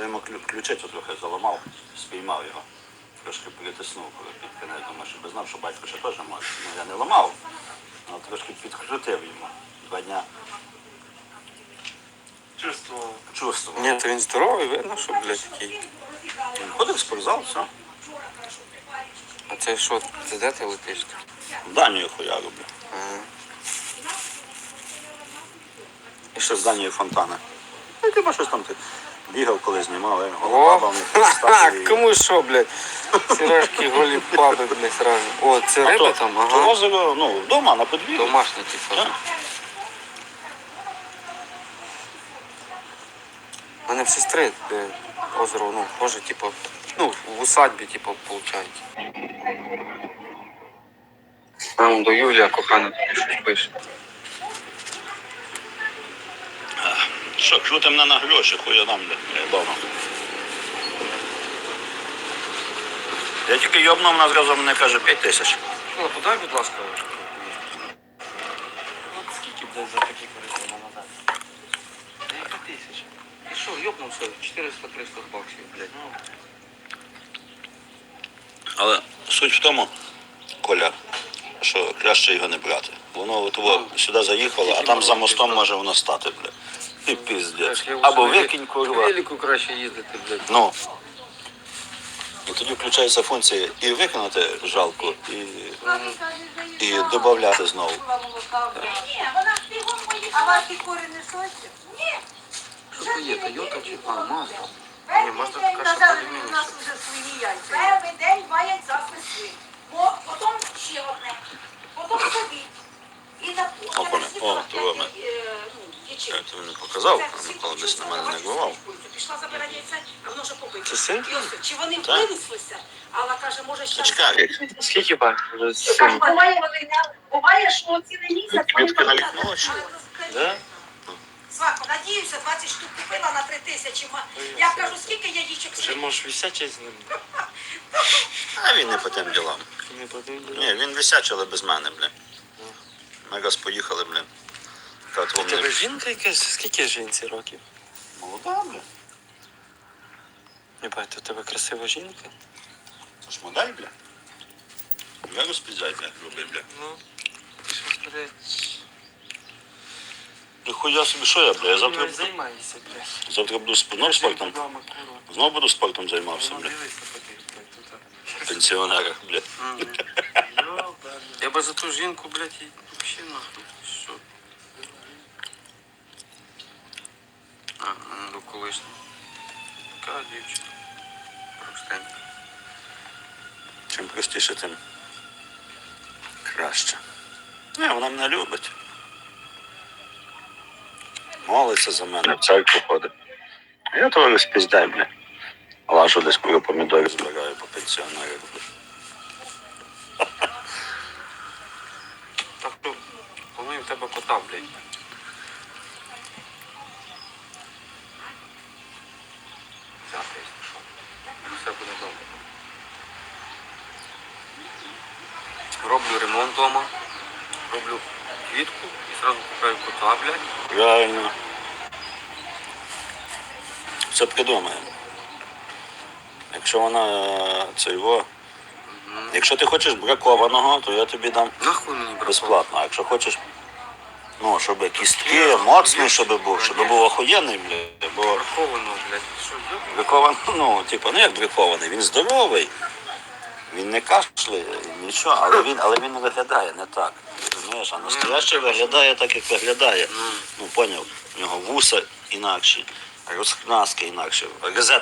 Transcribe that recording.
Я йому ключицю трохи заламав, спіймав його. Трошки притиснув під кінець, думаю, щоб знав, що батько ще теж може. Ну, я не ламав, але трошки підкрутив йому. 2 дня. Чувствував. Ні, то він здоровий, видно, що, блядь, такий. Він ходив в спортзал, все. А це що, це де ти летиш? В Данію хуя роблю. І ще з Данії фонтани. Ну, типа щось там ти бігав, коли знімав, голова Кому що, блядь? Сережки, голі баби, блядь, сразу. О, це риба там, ага. Озеро, ну, вдома, на подвір'ї. Домашні, типу. Так. У мене в сестри озеро, ну, може, типу, ну, в усадьбі, типу, виходить. Там до Юлія кохана тобі щось пише. Що, крути мене на гроші, хуя дам, блядь, вдома. Я тільки йобнув, вона зразу мені каже 5 тисяч. Ну, подай, будь ласка, скільки, блядь, за такі користи назад? 5 тисяч. І що, йобнувся, 400-300 баксів, блядь. Але суть в тому, Коля, що краще його не брати. Воно от сюди заїхало, а там за мостом може воно стати, блядь. І піздець. Або викинь, курва. Велику краще їздити, блядь. Ну. І тоді включається функція і виконати жалку, і додати знову. Ні, вона бігом поїхала. А ваші кури не сочі? Ні. Що то є, Тойота чи Мазда? Ні, Перший Мазда день така, що казали, по-рівняння. у нас вже свої яйця. Перший день 2 яйця снесли. Потім ще одне. Потім собі. І на Опане, о, то ми. Я тобі не показав, а Микола десь на мене не гував. Пішла забирати яйця, а воно вже побите. Це син? І ось, чи вони Так. винеслися, але каже, може ще... Чекай, Скільки бак? Буває, що цілий місяць... квітки на вікно, чи? Да? Свако, надіюся, 20 штук купила на 3 тисячі. Я кажу, скільки яєчок Вже можеш висячий з ним. А він не по тим ділам. Не подивлю. Ні, він висячий, але без мене, бля. Ми раз поїхали, бля. У тебе жінка якась? Скільки жінці років? Молода, бля. Єбать, у тебе красива жінка? Це ж модель, бля. Я розпіздай, бля, роби, бля. Ну, ти що, блядь, Хуя собі, що я, бля? Я завтра, займайся, блядь. завтра буду спортом. Вдома, курва. Знову буду спортом займався, Ну, бля. дивись на таких, блядь, тут. В пенсіонерах, бля. Я би за ту жінку, блядь, і взагалі нахуй. Що? До колишнього. Така дівчина. Простенька. Чим простіше, тим краще. Не, вона мене любить. Молиться за мене, в церкву ходить. А я того розпіздай, бля. Лажу десь, коли помідори збираю по пенсіонерах, бля. Так що, планую в тебе кота, блядь. Завтра, якщо що. Все буде добре. Роблю ремонт вдома, роблю квітку і одразу купляю кота, блядь. Правильно. Це придумаємо. Якщо вона це його. Якщо ти хочеш бракованого, то я тобі дам Нахуй мені брати? безплатно. А якщо хочеш, ну, щоб кістки, моцний, щоб був охуєнний, бля, бо Браховано, блядь. Що, йобаний? бракований, ну, типу, ну як бракований, він здоровий, він не кашляє, нічого, але він виглядає не так. Розумієш, а настоящий виглядає так, як виглядає. Ну, поняв, у нього вуса інакші, розкнаски інакші,